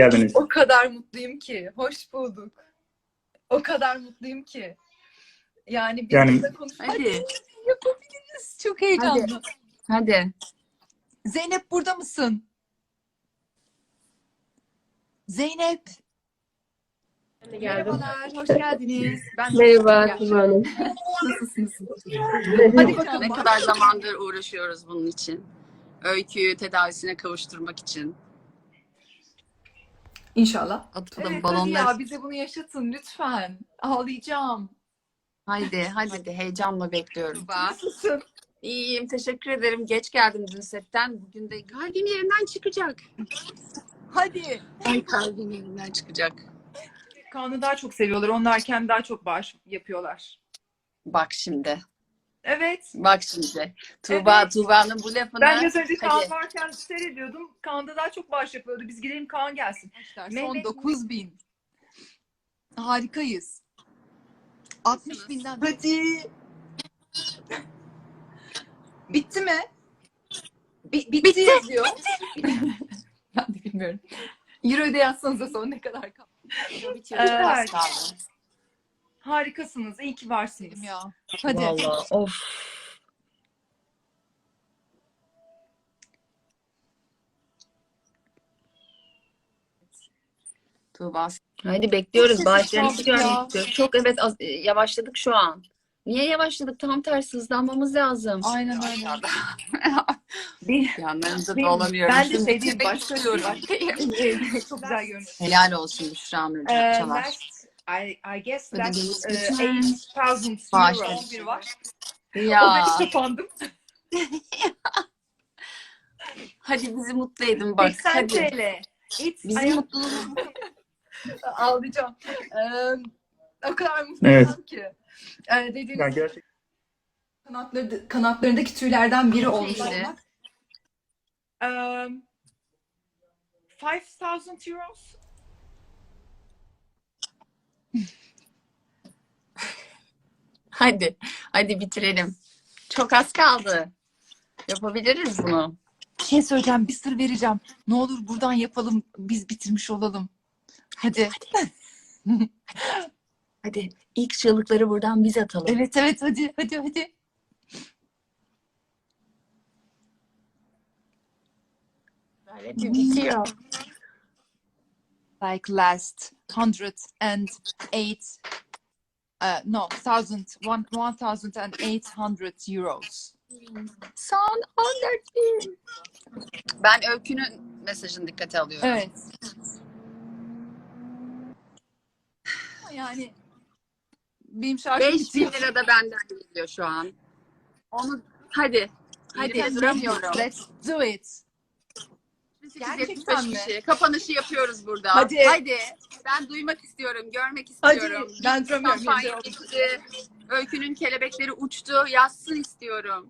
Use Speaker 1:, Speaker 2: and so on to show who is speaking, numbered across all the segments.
Speaker 1: geldiniz.
Speaker 2: O kadar mutluyum ki. Hoş bulduk. O kadar mutluyum ki. Yani biz
Speaker 1: Yani
Speaker 2: burada konuşmak
Speaker 3: Hadi.
Speaker 2: yapabiliriz. Çok heyecanlı.
Speaker 3: Hadi.
Speaker 2: Zeynep burada mısın? Zeynep. Merhabalar, hoş geldiniz. Ben
Speaker 4: Merhaba Tuba Hanım.
Speaker 2: Nasılsınız?
Speaker 3: Hadi
Speaker 2: bakalım.
Speaker 3: Ne kadar zamandır uğraşıyoruz bunun için. Öyküyü tedavisine kavuşturmak için.
Speaker 2: İnşallah.
Speaker 3: Atalım
Speaker 2: Evet, hadi
Speaker 3: balonları.
Speaker 2: ya bize bunu yaşatın lütfen. Ağlayacağım.
Speaker 3: Hadi heyecanla bekliyorum.
Speaker 2: Nasılsın?
Speaker 3: İyiyim, teşekkür ederim. Geç geldim dün setten. Bugün de kalbim yerinden çıkacak.
Speaker 2: Hadi.
Speaker 3: Ay kalbim yerinden çıkacak.
Speaker 2: Kaan'ı daha çok seviyorlar. Onlar kendi daha çok bağış yapıyorlar.
Speaker 3: Bak şimdi.
Speaker 2: Evet.
Speaker 3: Bak şimdi.
Speaker 2: Evet.
Speaker 3: Tuğba'nın bu lafını.
Speaker 2: Ben biraz önce Kaan
Speaker 3: Hadi.
Speaker 2: varken seyrediyordum. Kaan'da daha çok bağış yapıyordu. Biz gidelim Kaan gelsin. Son
Speaker 5: Mehmet-
Speaker 2: 9.000.
Speaker 5: Harikayız. 60 binden.
Speaker 2: Hadi. Bitti mi? Bitti yazıyor. Ben de bilmiyorum. Euro'da yazsanıza son ne kadar kaldı.
Speaker 3: Bitiyor.
Speaker 2: Evet.
Speaker 3: Az kaldı.
Speaker 2: Harikasınız. İyi ki varsınız.
Speaker 5: Ya.
Speaker 2: Hadi.
Speaker 3: Vallahi of. Tuğba. Hadi bekliyoruz.
Speaker 2: Çok
Speaker 3: Bağışlarınızı
Speaker 2: sessiz kaldık
Speaker 3: görmek
Speaker 2: ya.
Speaker 3: istiyoruz. Çok evet yavaşladık şu an. Niye yavaşladık? Tam tersi hızlanmamız lazım.
Speaker 2: Aynen öyle.
Speaker 3: Yanlarınızda
Speaker 2: Benim-
Speaker 3: dolanıyorum.
Speaker 2: ben de
Speaker 3: Şimdi
Speaker 2: şey diyeyim,
Speaker 3: bitirmek
Speaker 2: başka
Speaker 3: istiyorum.
Speaker 2: Çok güzel görünüyor.
Speaker 3: Helal olsun Büşra Nur Çalar.
Speaker 2: Last, I guess
Speaker 3: Ödediğimiz
Speaker 2: that's
Speaker 3: bütün
Speaker 2: 8,000
Speaker 3: bağışlar
Speaker 2: euro
Speaker 3: için.
Speaker 2: bir var.
Speaker 3: Ya.
Speaker 2: O benim kapandım.
Speaker 3: Hadi bizi mutlu edin bak.
Speaker 2: 80
Speaker 3: Hadi.
Speaker 2: TL.
Speaker 3: Bizim mutluluğumuz.
Speaker 2: Ağlayacağım. O kadar
Speaker 1: Evet.
Speaker 2: mutluyum ki. Dediğiniz
Speaker 1: yani gerçekten
Speaker 2: kanatlarındaki tüylerden biri olmuş
Speaker 3: Neydi?
Speaker 2: olmak. 5,000 euros.
Speaker 3: Hadi bitirelim. Çok az kaldı. Yapabiliriz bunu.
Speaker 5: Bir şey söyleyeceğim. Bir sır vereceğim. Ne olur buradan yapalım. Biz bitirmiş olalım. Hadi.
Speaker 3: Hadi ilk çığlıkları buradan biz atalım.
Speaker 5: Evet evet hadi.
Speaker 3: Hadi bitiyor.
Speaker 5: Like last 108 no 1800 euros.
Speaker 3: Son 14.000. Ben Öykü'nün mesajını dikkate alıyorum.
Speaker 5: Evet. Yani benim şarjım
Speaker 3: 5.000
Speaker 5: bitiyor.
Speaker 3: lira da benden geliyor şu an. Onu hadi duramıyorum.
Speaker 5: Let's do it.
Speaker 2: gerçekten
Speaker 3: 875
Speaker 2: mi?
Speaker 3: kişi. Kapanışı yapıyoruz burada.
Speaker 2: Hadi.
Speaker 3: Ben duymak istiyorum, görmek
Speaker 2: Hadi.
Speaker 3: istiyorum.
Speaker 2: Ben duramıyorum.
Speaker 3: Kampanya bitti. Öykünün kelebekleri uçtu. Yazsın istiyorum.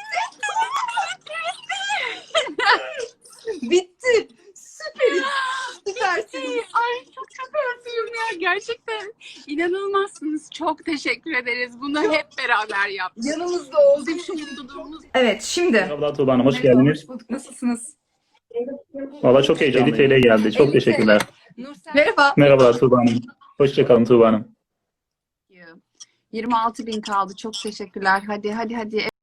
Speaker 2: Bitti. Süperiz. Süpersiniz.
Speaker 3: Ay çok mutluyum ya. Gerçekten inanılmazsınız. Çok teşekkür ederiz. Bunu hep beraber yaptık.
Speaker 2: Yanımızda olduk.
Speaker 3: Bizim şu mutluluğumuz.
Speaker 2: Evet şimdi.
Speaker 1: merhabalar Tuğba Hanım, hoş
Speaker 2: Merhaba,
Speaker 1: geldiniz.
Speaker 2: hoş bulduk. Nasılsınız?
Speaker 1: Valla çok heyecanlı. 50 TL geldi. Çok
Speaker 2: 50
Speaker 1: teşekkürler.
Speaker 2: Nursel. Merhaba.
Speaker 1: Merhabalar Tuğba Hanım. Hoşçakalın Tuğba Hanım.
Speaker 3: 26.000 kaldı. Çok teşekkürler. Hadi.